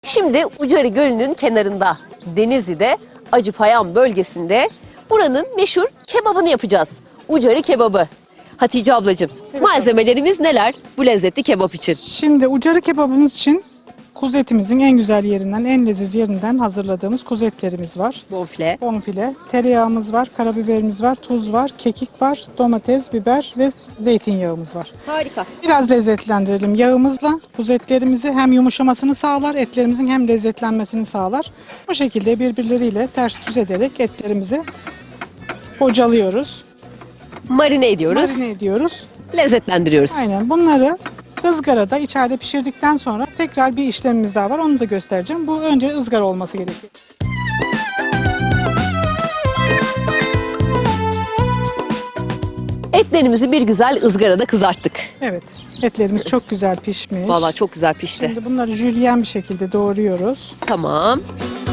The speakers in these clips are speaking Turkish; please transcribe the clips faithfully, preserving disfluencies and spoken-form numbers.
Şimdi Ucari Gölü'nün kenarında, Denizli'de, Acıpayam bölgesinde buranın meşhur kebabını yapacağız. Ucari kebabı. Hatice ablacığım, Evet, malzemelerimiz neler bu lezzetli kebap için? Şimdi ucarı kebabımız için kuzu etimizin en güzel yerinden, en leziz yerinden hazırladığımız kuzu etlerimiz var. Bonfile. Bonfile, tereyağımız var, karabiberimiz var, tuz var, kekik var, domates, biber ve zeytinyağımız var. Harika. Biraz lezzetlendirelim yağımızla. Kuzu etlerimizi hem yumuşamasını sağlar, etlerimizin hem lezzetlenmesini sağlar. Bu şekilde birbirleriyle ters düz ederek etlerimizi bocalıyoruz, Marine ediyoruz, marine ediyoruz. lezzetlendiriyoruz. Aynen bunları ızgarada içeride pişirdikten sonra tekrar bir işlemimiz daha var. Onu da göstereceğim. Bu önce ızgara olması gerekiyor. Etlerimizi bir güzel ızgarada kızarttık. Evet. Etlerimiz çok güzel pişmiş. Vallahi çok güzel pişti. Şimdi bunları jülyen bir şekilde doğruyoruz. Tamam.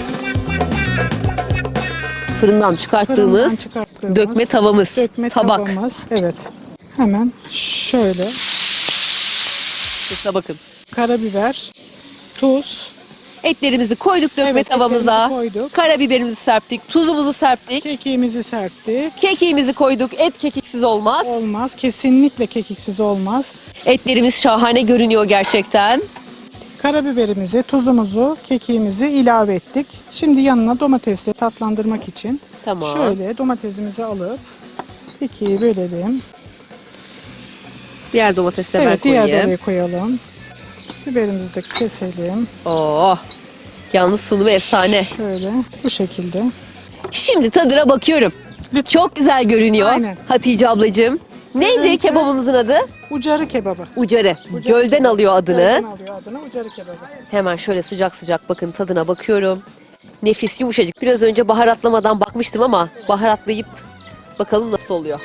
Fırından çıkarttığımız, Fırından çıkarttığımız dökme tavamız, dökme tabak. tavamız. Evet. Hemen şöyle İşte bakın. karabiber, tuz, Etlerimizi koyduk dökme Evet, tavamıza. etlerimizi koyduk. Karabiberimizi serptik, tuzumuzu serptik. kekiğimizi serptik. Kekiğimizi koyduk. Et kekiksiz olmaz. Olmaz. Kesinlikle kekiksiz olmaz. Etlerimiz şahane görünüyor gerçekten. Karabiberimizi, tuzumuzu, kekiğimizi ilave ettik. Şimdi yanına domatesle tatlandırmak için Tamam. şöyle domatesimizi alıp ikiye bölelim. Diğer domatesi de ben Evet, diğer koyayım. oraya koyalım. Biberimizi de keselim. Oh. Yalnız sunumu efsane. Şöyle bu şekilde. Şimdi tadına bakıyorum. Lütfen. Çok güzel görünüyor. Aynen. Hatice ablacığım. Neydi Görüntü- kebabımızın adı? Ucarı kebabı. Ucarı. Ucarı Gölden kebabı. alıyor adını. Gölden alıyor adını ucarı kebabı. Hemen şöyle sıcak sıcak bakın tadına bakıyorum. Nefis yumuşacık. Biraz önce baharatlamadan bakmıştım ama baharatlayıp bakalım nasıl oluyor.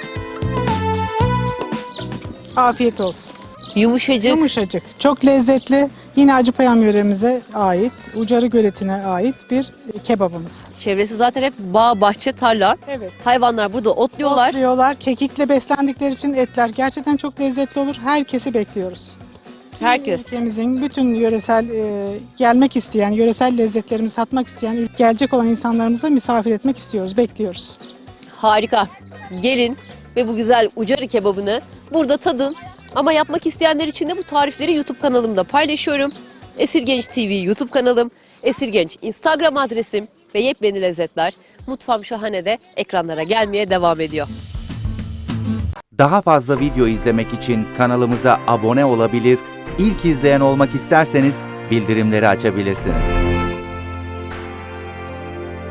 Afiyet olsun. Yumuşacık. Yumuşacık. Çok lezzetli. Yine Acıpayam yöremize ait, Ucarı Göleti'ne ait bir kebabımız. Çevresi zaten hep bağ, bahçe, tarla. Evet. Hayvanlar burada otluyorlar. Otluyorlar. Kekikle beslendikleri için etler gerçekten çok lezzetli olur. Herkesi bekliyoruz. Herkes. Ülkemizin bütün yöresel e, gelmek isteyen, yöresel lezzetlerimizi tatmak isteyen, gelecek olan insanlarımızı misafir etmek istiyoruz, bekliyoruz. Harika. Gelin ve bu güzel Ucarı kebabını burada tadın. Ama yapmak isteyenler için de bu tarifleri YouTube kanalımda paylaşıyorum. Esirgenç T V YouTube kanalım, Esirgenç Instagram adresim ve yepyeni lezzetler Mutfağım Şahane'de ekranlara gelmeye devam ediyor. Daha fazla video izlemek için kanalımıza abone olabilir, ilk izleyen olmak isterseniz bildirimleri açabilirsiniz.